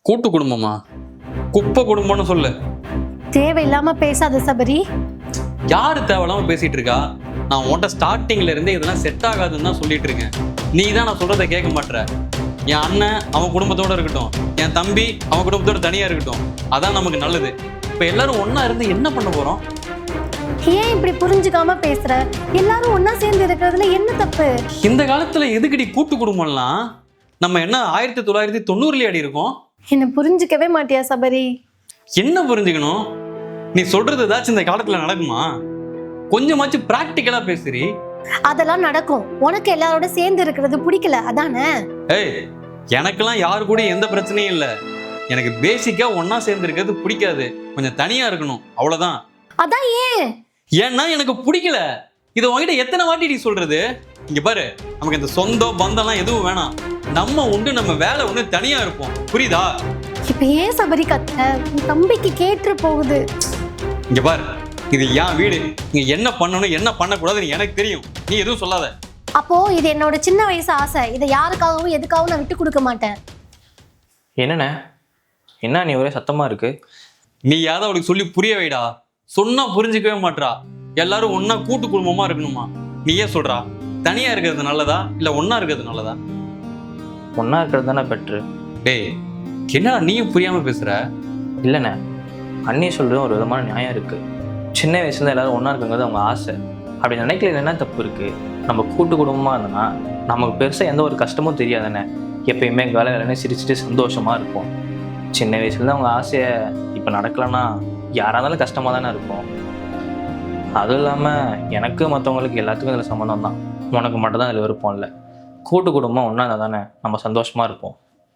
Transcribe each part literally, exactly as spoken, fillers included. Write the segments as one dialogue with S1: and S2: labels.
S1: கூட்டு குடும்பமா? குப்பை குடும்பம்னு சொல்லு.
S2: தேவையில்லாம பேசாத சபரி.
S1: யாரு தேவையில்லாம பேசிட்டு இருக்கா? நான் உன்கிட்ட ஸ்டார்டிங்ல இருந்தே இதெல்லாம் செட் ஆகாதுன்னு தான் சொல்லிட்டு இருக்கேன். நீ தான் நான் சொல்றதை கேட்க மாட்டேற. என் அண்ணன் அவன் குடும்பத்தோட இருக்கட்டும், என் தம்பி அவன் குடும்பத்தோட தனியா இருக்கட்டும், அதான் நமக்கு நல்லது. இப்ப எல்லாரும் ஒன்னா இருந்து என்ன பண்ண போறோம்?
S2: ஏன் இப்படி புரிஞ்சுக்காம பேசுற? எல்லாரும் ஒன்னா சேர்ந்து இருக்கிறதுல என்ன தப்பு?
S1: இந்த காலத்துல எதுக்கடி கூட்டு குடும்பம்லாம்? நம்ம என்ன ஆயிரத்தி தொள்ளாயிரத்தி தொண்ணூறுலயே அடி இருக்கோம்?
S2: என்ன புரிஞ்சுக்கவே மாட்டியா சபரி?
S1: என்ன புரிஞ்சுக்கணும்? நீ சொல்றது ஏதாச்சும் இந்த காலத்துல நடக்குமா? கொஞ்சமாச்சும் பிராக்டிக்கலா பேசுறீ.
S2: அதெல்லாம் நடக்கும். உனக்கு எல்லாரோட சேர்ந்து இருக்கிறது பிடிக்கல அதானே?
S1: ஏய், எனக்கெல்லாம் யாரு கூட எந்த பிரச்சனையும் இல்லை. எனக்கு பேசிக்கா ஒன்னா சேர்ந்து இருக்கிறது பிடிக்காது. கொஞ்சம் தனியா இருக்கணும், அவ்வளவுதான்.
S2: அதான் ஏன்?
S1: ஏன்னா எனக்கு பிடிக்கல. இதை உங்ககிட்ட எத்தனை வாட்டி நீ சொல்றது? இங்க பாரு, நமக்கு இந்த சொந்தம் பந்தம்லாம் எதுவும் வேணாம். நம்ம உண்டு, நம்ம வேலை ஒண்ணு, தனியா இருப்போம். புரியுதா?
S2: இப்ப ஏன் சபரி கத்த? உன் தம்பிக்கு கேட்டு போகுது.
S1: இங்க பாரு, இது என் வீடு. நீங்க என்ன பண்ணணும் என்ன பண்ணக்கூடாதுன்னு எனக்கு தெரியும். நீ எதுவும் சொல்லாத.
S2: அப்போ இது என்னோட சின்ன வயசு ஆசை. இதை யாருக்காகவும் எதுக்காகவும் நான் விட்டு கொடுக்க மாட்டேன்.
S3: என்னண்ணே, என்ன நீ ஒரே சத்தமா இருக்கு?
S1: நீ யாவது அவளுக்கு சொல்லி புரிய வைடா. சொன்னா புரிஞ்சுக்கவே மாட்றா. எல்லாரும் ஒன்னா கூட்டு குடும்பமா இருக்கணுமா? நீ ஏன் சொல்றா? தனியா இருக்கிறது நல்லதா இல்ல ஒன்னா இருக்கிறது நல்லதா?
S3: ஒன்றா இருக்கிறது தானே பெட்ரு.
S1: டேய், என்னடா நீயும் புரியாம பேசுற?
S3: இல்லைண்ணே, அண்ணி சொல்கிறதும் ஒரு விதமான நியாயம் இருக்குது. சின்ன வயசுல எல்லாரும் ஒன்றா இருக்குங்கிறது அவங்க ஆசை. அப்படி நினைக்கல என்ன தப்பு இருக்குது? நம்ம கூட்டு குடும்பமாக இருந்தோன்னா நமக்கு பெருசாக எந்த ஒரு கஷ்டமும் தெரியாதுண்ணே. எப்பயுமே வேலை வேலைன்னு சிரிச்சுட்டு சந்தோஷமாக இருப்போம். சின்ன வயசுலேருந்து அவங்க ஆசையை இப்போ நடக்கலைன்னா யாராக இருந்தாலும் கஷ்டமாக தானே இருக்கும். அதுவும் இல்லாமல் எனக்கு மற்றவங்களுக்கு எல்லாத்துக்கும் இதில் சம்மந்தம் தான். உனக்கு மட்டும் தான் இதில் விருப்பம் இல்லை. கூட்டு குடும்பம் ஒன்றா இருந்தால் தானே நம்ம சந்தோஷமாக இருப்போம்.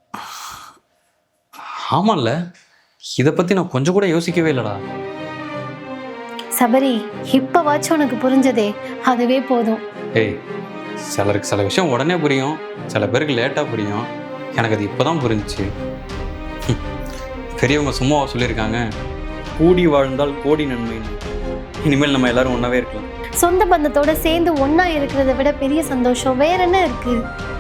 S1: ஆமாம்ல, இதை பத்தி நான் கொஞ்சம் கூட யோசிக்கவே இல்லடா.
S2: சபரி, இப்பவாச்சும் உனக்கு புரிஞ்சதே, அதுவே போதும்.
S1: ஏய், சிலருக்கு சில விஷயம் உடனே புரியும், சில பேருக்கு லேட்டா புரியும். எனக்கு அது இப்பதான் புரிஞ்சிச்சு. பெரியவங்க சும்மாவா சொல்லியிருக்காங்க, கூடி வாழ்ந்தால் கோடி நன்மைன்னு. இனிமேல் நம்ம எல்லாரும் ஒன்னாவே இருக்கலாம்.
S2: சொந்த பந்தத்தோட சேர்ந்து ஒன்னா இருக்கிறத விட பெரிய சந்தோஷம் வேற என்ன இருக்கு?